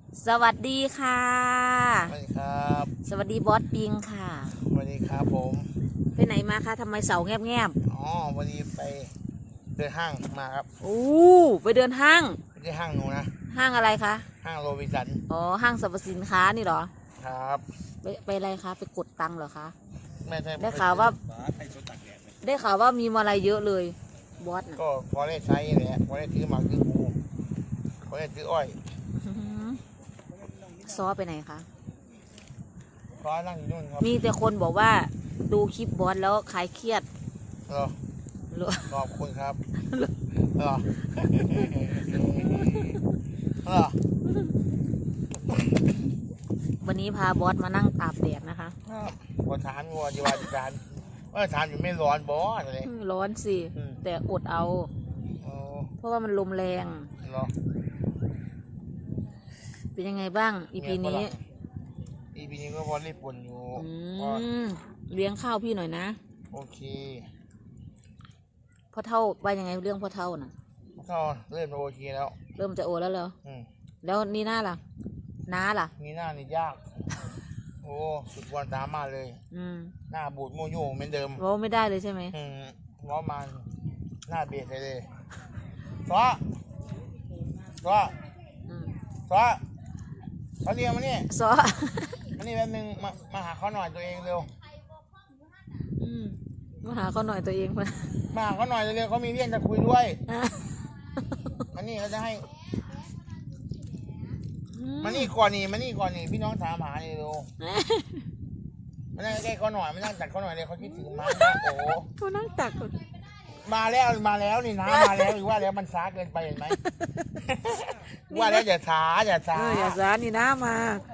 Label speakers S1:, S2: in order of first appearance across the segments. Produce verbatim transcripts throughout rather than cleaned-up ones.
S1: สวัสดีค่ะ
S2: สวัสดีครับ
S1: สวัสดีบอสปิงค่ะ
S2: สวัสดีครับผม
S1: ไปไหนมาคะทำไมเสาแงบแงบ
S2: อ๋อวันนี้ไปเดินห้างมาครับ
S1: โอ้ไปเดินห้าง
S2: ไปที่ห้างหนูนะ
S1: ห้างอะไรคะ
S2: ห้างโรบินสัน
S1: อ๋อห้างสรรพสินค้านี่เหรอ
S2: ครับ
S1: ไปไปอะไรคะไปกดตังค์เหรอคะ
S2: ไม่ใช่
S1: ได้ข่าวว่าได้ข่าวว่ามีมาอะไรเยอะเลยบอสน่ะ
S2: ก็พอได้ใช้แหละพอได้ซื้อหมากซื้อปูพอได้ซื้ออ้อย
S1: ซอไปไหนคะ
S2: พอนั่งอยู่นู่นครับ
S1: มีแต่คนบอกว่าดูคลิปบอสแล้วคลายเครียด
S2: เหรอ
S1: เหรอ
S2: ขอบคุณครับเหรอเหรอ
S1: วันนี้พาบอสมานั่งอาบแดดนะคะ
S2: พอทานงัวจีวาจีจานว่าทานอยู่ไม่ร้อนบอสอะไร
S1: ร้อนสิแต่อดเอาเพราะว่ามันลมแรง
S2: เหรอ
S1: เป็นยังไงบ้างอีพีนี้
S2: อีพีนี้ก็พอรีบปุ่นอยู่
S1: เลี้ยงข้าวพี่หน่อยนะ
S2: โอเค
S1: พ่อเท่าว่ายังไงเรื่องพ่อเท่าน่ะ
S2: พ่อเท่าเริ่มโอเคแล้ว
S1: เริ่มจะโอแล้วเหรอแล้วนี่หน้าล่ะน้าล่ะ
S2: นี่หน้านี่ยากโอ้สุดวันสามารถเลยหน้าบูดโมโยเหมือนเดิม
S1: ว่าไม่ได้เลยใช่ไหม
S2: อืมว่ามันหน้าเบียดเลยซ้อซ้อซ้อเขาเรียกมาเนี่ย
S1: ซ้อ
S2: มานี่แป๊บนึงมามาหาเขาหน่อยตัวเองเร็ว
S1: มาหาเขาหน่อยตัวเองมา
S2: มาหาเขาหน่อยเร็วเขามีเรื่องจะคุยด้วยมานี่เขาจะให้มานี่ก่อนนี่มานี่ก่อนนี่พี่น้องถามหานี่ดูมานั่งใกล้เขาหน่อยมานั่งตักเขาหน่อยเลยเขาคิดถึงมาโอ้
S1: เขานั่งตัก
S2: มาแล้วมาแล้วนี่นะมาแล้วหรือว่าแล้วมันช้าเกินไปเห็นไหมว่าแล้วอย่าช้าอย่าช้า
S1: อย่าช้านี่นะมา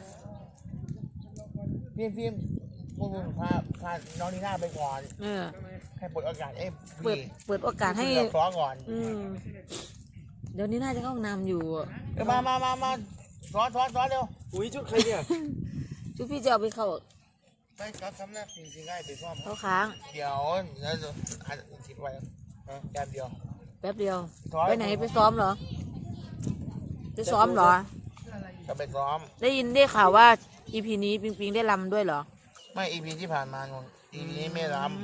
S2: พี่พี่พวกพาพาน้องนีน่าไปก่อนให้เปิดโอกาสเอ้
S1: เปิดเปิดโอกาสให้
S2: ซ้อก่อน
S1: เดี๋ยวนี้น่าจะเข้าห้องน้ำอยู่
S2: มามามามาซ้อนซ้อนซ้อนเร็ว
S3: อุ้ยชุดใครเนี่ย
S1: ชุดพี่จะเอาไปเข้า
S2: ไม่ครับทำหน้าจริงๆง่ายไปซ่อม
S1: เขาค้าง
S2: เดี๋ยวแล้วอาจจะคิดไว้แป๊บเดียว
S1: แป๊บเดียวไปไหนไปซ้อมเหรอไปซ้อมเหรอ
S2: จะไปซ้อม
S1: ได้ยินได้ข่าวว่าอีพีนี้ปิงปิงได้รำด้วยเหรอ
S2: ไม่อีพีที่ผ่านมานนอีพีนี้ไม่รำ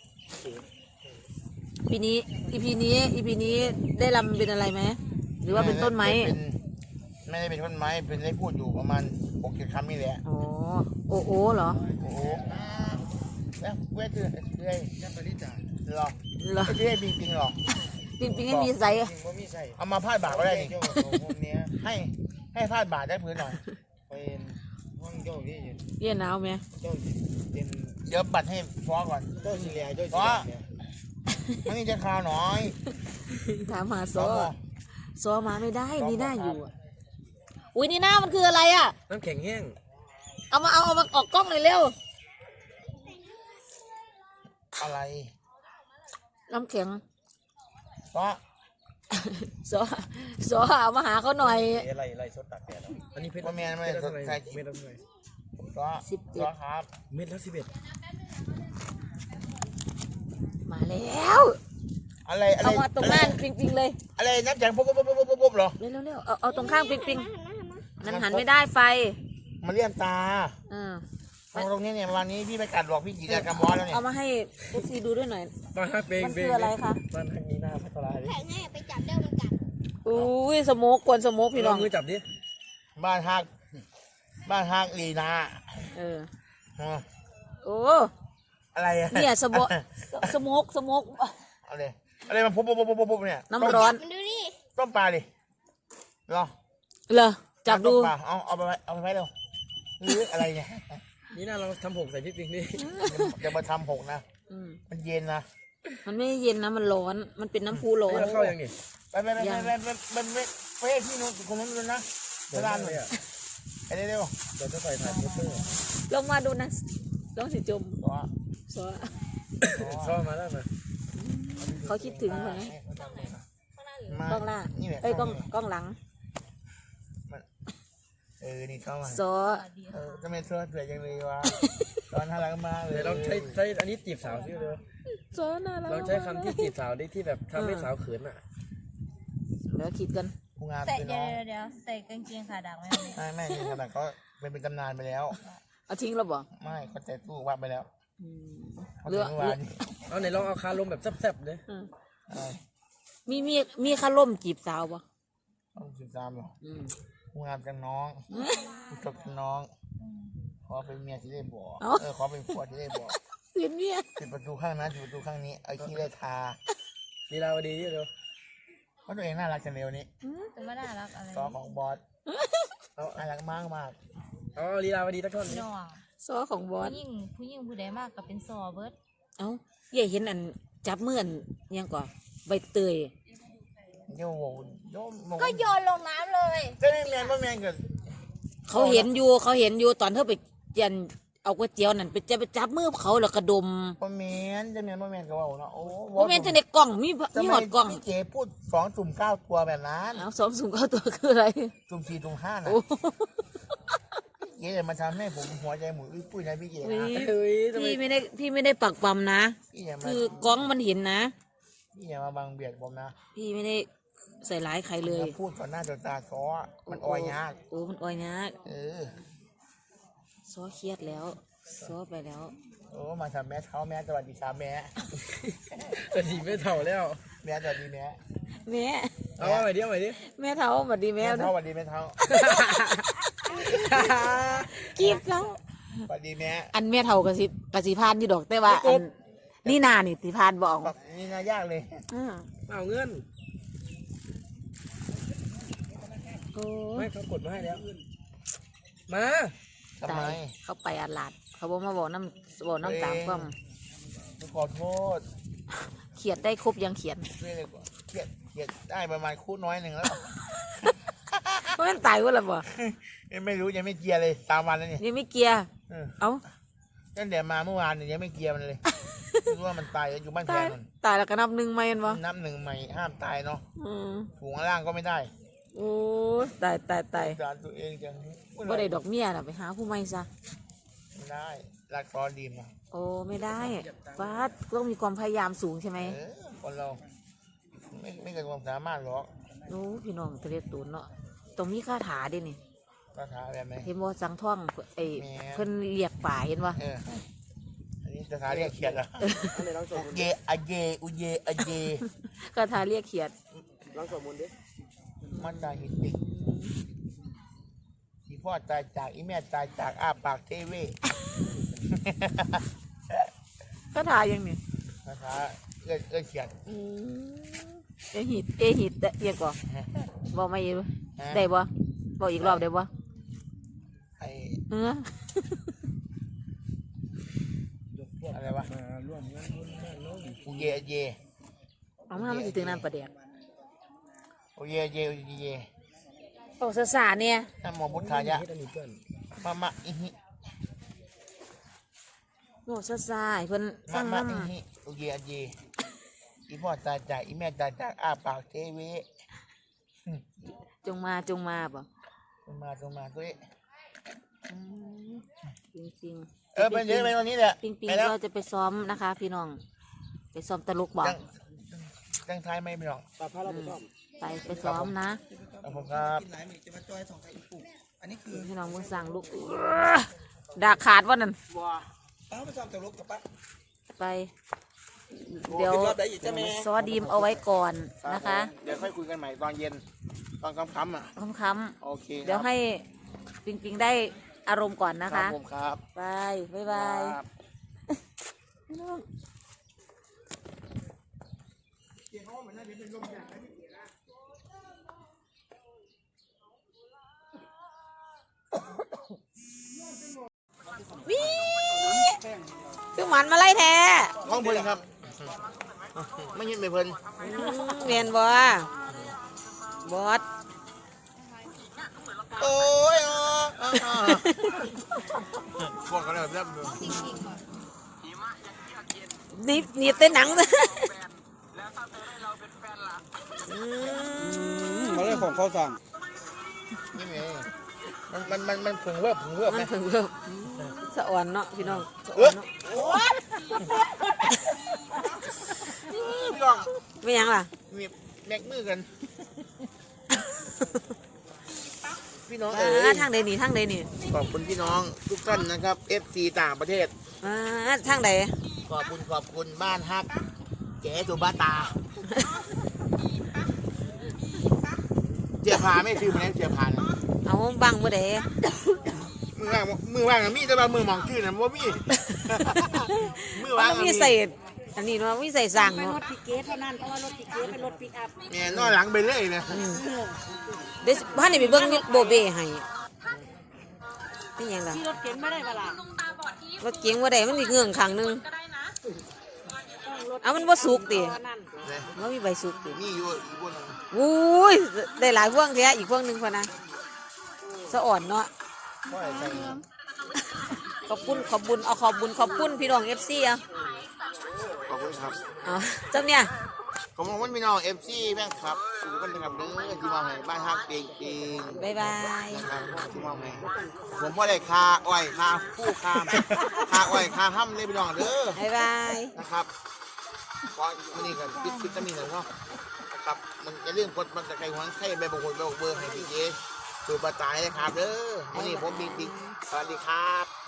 S1: ปีนี้อีพีนี้อีพีนี้ได้รำเป็นอะไรไหมหรือว่าเป็นต้นไม้
S2: ไม่ได้เป็นต้นไม้เป็นได้พูดอยู่ประมาณหกเจ็ดคำนี่แหละ
S1: อ๋อโอ้โอ้เหรอ
S2: โอ้แล้วเวทคือเรื่อยยังปริจาหรอ
S1: หรอ
S2: เรื่อยปิงปิงหรอ
S1: ปิงปิงไม่มีใส่
S2: เอามาพาดบาทก็ได้นี่ให้ให้พาดบาทได้พื้นหน่อย
S3: เป็นห้องโจ้ที่
S1: เย็นหนาวไหม
S3: โจ้เป็น
S2: เดี๋ยวบัตรให้ฟ้อก่อน
S3: โจ้สีเหลืองโจ้
S2: ฟ้อมันนี่จะข่าวหน่อย
S1: ถามหาโซ่โซ่มาไม่ได้นี่หน้าอยู่อุ้ยนี่หน้ามันคืออะไรอ่ะ
S3: น้ำแข็งแห้ง
S1: เอามาเอาเอามาออกกล้องหน่อยเร็ว
S2: อะไร
S1: น้ำแข็ง
S2: ฟ้อ
S1: โซ่โซ่เอามาหาเขาหน่อย
S3: อะไรอะไรซดตักแดดอันนี้เพชร
S2: ว่าแม่ไม่สดใส่
S3: เม็ดละเท่าไหร่
S2: ฟ้อสิบเจ็ดครับ
S3: เม็ดละสิบเอ็ด
S1: มาแล้ว
S2: อะไรอะไร
S1: เอามาตรงหน้าปิงปิงเลย
S2: อะไรน้ำแข็งปุ๊บปุ๊บปุ๊บปุ๊บปุ๊บเหรอ
S1: เร็วเร็วเอาเอาตรงข้างปิงปิงมันหันไม่ได้ไฟ
S2: มาเลี่ยมตา
S1: เออ
S2: ตรงนี้เนี่ยวันนี้พี่ไปกัดหลอกพี่จีดกระมอแล้วเนี่ย
S1: เอามาให้เอฟซีดูด้วยหน่อย
S3: มัน
S1: คืออะไรคะ
S3: มันทางนี้หน้าพัทลาย
S4: แข็งให้ไปจับเด้อมันกัด
S1: อุ้ยสโมกกวนสโมกพี่น้อง
S3: มือจับดิ
S2: บ้านฮักบ้านฮักลีนา
S1: เออโอ้
S2: อะไรอะ
S1: เนี่ยสโมกสโมกสโมก
S2: อะไรอะไรมันปุ๊บปุ๊บปุ๊บปุ๊บเนี่ย
S1: น้ำร้อน
S4: มันดูดิ
S2: ต้มปลาดิรอ
S1: เหรอจับดู
S2: เอาเอาไปเอาไปไว้เร็วหรืออะไรเนี่ย
S3: นี่น่าเราทำผงใส่พริกปิงดิ
S2: จะมาทำผงนะมันเย็นนะ
S1: มันไม่เย็นนะมันร้อนมันเป็นน้ำพุร้อน
S3: เข้ายังไง
S2: ไปไปไปไปไปไปไปไปที่นู้นคนนั้นเลยนะเวลาหน่อยไอ้เร็ว
S3: เดี๋ยวจะใส่ถ่านโปสเตอร์
S1: ลงมาดูนะลองสิจม
S2: ซ้อ
S1: ซ้อ
S3: ซ้อมาแล้วนะ
S1: เขาคิดถึงไหมกล้องหน้าเอ้ยกล้องกล้องหลัง
S2: เออนี่เข้ามา
S1: ซ้อ
S2: เออจะไม่ซ้อสวยจังเลยวะตอนน่ารักมากเลย
S3: เราใช้ใช้อันนี้จีบสาวซิเลย
S1: ซ้อน่ารัก
S3: เราใช้คำที่จีบสาวได้ที่แบบทำให้สาวเขินอ่ะ
S1: เดี๋ยวคิดกัน
S2: โอ้ผู้งาน
S4: ใส่
S2: เป็น
S4: เดี๋
S2: น้
S4: ยว
S2: อง
S4: เดี๋ยวใส่กางเกงขาดำไหม
S2: ไม่ไม่ขนาดเขาเป็นเป็นตำนานไปแล้ว
S1: เอาทิ้งแล้วบ่
S2: ไม่เขาใส่ตู้วัดไปแล้ว
S1: อืม
S2: เขา
S1: เลื
S2: ถึ
S1: อง ก
S2: เมื่อวานนี้
S3: เอาไหนลองเอาคาลมแบบแซ่บๆเลย
S1: อืม
S2: อะไร
S1: มีมีมีคาร่มจีบสาวบ่
S2: ต้องสิบสามหรอ
S1: อืม
S2: ผู้งานกันน้องผู้จบกันน้อง
S4: อืม
S2: ขอเป็นเมียที่ได้บอก
S1: เอ้า
S2: เออขอเป็นผัวที่ได้บอก
S1: เสียนเมีย
S2: ปิดประตูข้างนั้นปิดประตูข้างนี้เอาขี้ได้ทา
S3: ลีลาวดีที่เดียว
S2: เพราะตัวเองน่ารักจังเร็วนี้
S4: แต่ไม่น่ารักอะไร
S2: ซอของบอสน่ารักมากมาก
S3: เอาลีลาวดีตะท่อน
S4: พี่
S3: นี้
S4: น้อง
S1: ซอของบอส
S4: ผู้หญิงผู้หญิงผู้ใดมากก็เป็นซอเบิร์ด
S1: เอ้าเย่เห็นอันจับมืออันยังก่อนใบเตย
S2: โย่โย่โย่
S4: ก็โยนลงน้ำเลย
S2: เจ้าแมนแมนว่าแมนเกิด
S1: เขาเห็นอยู่เขาเห็นอยู่ตอนเธอไปยันเอาก๋วยเตี๋ยวนั่นไปจะไปจับมือเขาแล้วกระดม
S2: ว่าแมนเจ้าแมนว่าแมนก็ว่าเนาะโอ้
S1: โมเมนต์ในกล่องมีมีหอดกล่อง
S2: พี่เก๋พูดสองจุ่มเก้าตัวแบบนั้น
S1: เอาสองสูงเก้าตัวคืออะไร
S2: จุ่มสี่จุ่มห้านะ
S1: โอ้
S2: เก๋เลยมาทำให้ผมหัวใจหมุนอุ้ยปุ้ยนะพี่เก๋นะ
S3: เฮ้ยทำไม
S1: พี่ไม่ได้พี่ไม่ได้ปักปั๊มนะ
S2: พี่อย่ามา
S1: คือกล้องมันเห็นนะ
S2: พี่อย่ามาบังเบียดผมนะ
S1: พี่ไม่ได้ใส่ร้ายใครเลย
S2: มาพูดต่อหน้าต่อตาซ้อมันออยยาก
S1: โอ้มันออยยาก
S2: เออ
S1: ซ้อเครียดแล้วซ้อไปแล้ว
S2: โอ้มาทำแม่เท้าแม่สวัสดีครับแม่
S3: แต่สีไม่เท่าแล้ว
S2: แม่สวัสดีแม่
S1: แม่
S3: เอาว่าใหม่ดิเอาใหม่ดิ
S1: แม่เท้าสวัสดีแม่
S2: แม่เท้าสวัสดีแม่เท้า
S1: กีบแล้ว
S2: สวัสดีแม่
S1: อันแม่เท้ากระสิบกระสิพานที่ดอกแต่ว่าอันนี่นานี่สิพานบอก
S2: แบบนี่น่ายากเลย
S1: อืม
S3: เอาเงิน
S1: โอ้
S3: ไม่เขากดมาให้แล้ว มา
S2: ทำไม
S1: ตายเขาไปอาลาด เขาบอกมาบอกน้ำบอกน้ำตามความ
S2: ขอโทษ
S1: เขียดได้ครบยังเขียน
S2: ด้วยเลยกว่าเขียดเขียดได้ประมาณคู่น้อยหนึ่งแล้ว
S1: เพราะมันตายว่าละบ่
S2: ยังไม่รู้ยังไม่เกียร์เลยสามวันแล้วนี่
S1: นี่ไม่เกียร์
S2: เออ
S1: เอ้า
S2: ตั้งแต่มาเมื่อวานเนี่ยยังไม่เกียร์มันเลยรู้ว่ามันตายอยู่บ้านแฟ
S1: ตาย
S2: นมัน
S1: ตายแล้วก็นับหนึ่งไหมอันวะ
S2: นับหนึ่งใหม่ห้ามตายเนาะ
S1: อืม
S2: ถุงข้างล่างก็ไม่ได้
S1: โอ้ยตายตายตาย
S2: จานตัวเองจัง
S1: บ่ได้ดอกเมียน่ะไปหาผู้ใหม่ซะ
S2: ไม่ได้รักตอนดีมนะ
S1: โอ้ไม่ได้ฟาดต้องมีความพยายามสูงใช่ไหม
S2: เออคนเราไม่ไม่เกินความสามารถหรอก
S1: โอ้พี่น้องทะเลตูนเนาะต้องมีคาถาเด้นี่
S2: คาถาแบบไหน
S1: เห็นบ่สังท่องไอ้
S2: แหม
S1: เพิ่นเรียกป่าเห็นบ่
S2: เอออันนี้คาถาเรียกเขียดเหรอ
S3: เอาไหนลองสวดมนต์
S2: เยอะเยอุเยอเย
S1: คาถาเรียกเขียด
S3: ลองสวดมนต์ดิ
S2: มันตายหิติที่พ่อตายจากอีแม่ตายจากอาปากเทเว
S1: คาถายังนี่
S2: คาถาเอื้อเอื้อเขียด
S1: อืมเอหิตเอหิตเอียงก่อนบอกมาอีกได้บ่บอกอีกรอบได้บ่
S2: ไอ
S1: เออ
S2: อะไรวะ
S3: มาร่วมงานบุญบ้านน้อง
S2: อุเยอเย
S1: เอามามันสิถึงน้ำประเดียก
S2: อุเยอเยอุเยอเย
S1: โอ้สาสาเนี่ย
S2: นะโมพุทธายะ
S3: เฮ็ดอันนี้เพื่อน
S2: มะมะอิหิ
S1: โอ้สาสาให้เพิ่นฟั
S2: มะ
S1: ง
S2: มะ
S1: น้
S2: อิหิอุเยอเยอีพ่อตายจากอีแม่ตายจากอาปากเทเว
S1: ำจงมาจงมาบ่
S2: ลงมาลงมาตัวนี้
S1: อืมจริงๆ
S2: เออไปเดี๋ยวไปวันนี้แหละ
S1: ปิงปิง
S2: ไปแล้ว
S1: เราจะไปซ้อมนะคะ พี่น้อง ไปซ้อมตลกบอก
S2: จังจังไทายไม่ไม่หรอก
S3: ปลาพาเราไปซ่อม
S1: ไปไปซ้อมนะ
S2: ขอบคุณครับ
S1: พี่น้องมึงสั่งลูกดาขาดว่านั่น
S2: ป้าไปซ้อมตลกกับป้า
S1: ไป เดี๋ยวซอดีมเอาไว้ก่อนนะคะ
S2: เดี๋ยวค่อยคุยกันใหม่ตอนเย็น ตอนค่ำๆอ่ะ
S1: ค้ำ
S2: โอเค
S1: ๆเดี๋ยวให้ปิงปิงได้อารมณ์ก่อนนะ
S2: ครั
S1: คะ
S2: บผมครับ
S1: ไปบ๊ายบาย
S2: ครับ
S1: พี่น้องวิคือหมันมาไล่แท้
S2: ห้องเพลินครับ ไม่ยินไม่เพลิน
S1: อืมเรียนบ่บอส
S2: โอ้ยอ๋ออ๋ออ๋อพวกกันเลยแบบนี้
S1: นี่นี่เต้นหนังเลยอืม
S3: มาเรื่องของเขาสั่ง
S2: นี่ไงมันมันมันมันผึ่งเวิบผึ่งเวิบ
S1: มั
S2: ไหม
S1: นถึงเริ่มสะอ่อนเนาะพี่น้องสะ
S2: เอ
S1: อ่อ
S2: อน
S1: เนาะ
S2: พี่น้อง
S1: ไม่ยังล่ะ
S2: มีแม็กมือกันพี่น้อง
S1: อ่
S2: เอ๋
S1: าย ทางใดนี่ทางใดนี่
S2: ขอบคุณพี่น้องทุกท่านนะครับ เอฟ ซี ต่างประเทศ
S1: อ่าทางใด
S2: ขอบคุณขอบคุณบ้านฮักเจ๊สุบาตาเจียพาไม่ชื่อมันแล้วเจียพานะ
S1: เอาบังบ่ได้
S2: มือว่างมือว่างนะมีแต่ว่ามือมองชื่อนะว่ามี มือว่าง
S1: มันมีใส่อันนี้เนาะมีใส่สั่ง
S5: เป็นร
S1: เนาะ
S5: ถปิกเกตเท่านั้นเพราะว่ารถปิกเกตเป็นรถปิกอัพ
S2: เนี่ยนอนหลังไปเลยนะ
S1: เดี๋ยวบ้านนี่ไปเบิ่งโบเบ้ให้นี่หยังล่ะ
S5: ที่รถเก๋งไม่ได้เวลาร
S1: ถเก๋งบ่ได้มันสิเงื่องข้างหนึง
S5: ต้องรถ
S1: เอามันบ่สุกติ
S5: นั่น
S2: เนี่ย
S1: บ่มีใบสุกติ
S2: นี่อยู่อีกบนหนึ่ง
S1: อุ้ยได้หลายพวงแท้อีกพวงหนึงพอนะสะอ่อนเนาะ
S2: ก็ใส่
S1: ขอบคุณขอบบุญเอาขอบบุญขอบคุณพี่น้อง เอฟ ซี อ่ะ
S2: ขอบคุณครับ
S1: เอาจังเนี่ย
S2: ขอบคุณพี่น้องเอฟซีแม่งครับทุกคนนะครับเด้อที่มาให้บ้านฮักเปียงเปีง
S1: บ๊ายบาย
S2: นะครับที่มาให้ผมพ่อได้คาอ้อยคาผู้คามคาอ้อยคาห้ำเลยพี่น้องเด้อ
S1: บ๊ายบาย
S2: นะครับเพราะมันนี่กันปิดปิดตามีหน่อยเนาะนะครับมันจะเรื่องกดมันจะใครหัวใครใบบางคนใบเบอร์ให้ดีเจสูบปลาตายนะครับเด้อวันนี้ผมบิ๊กบิ๊กสวัสดีครับ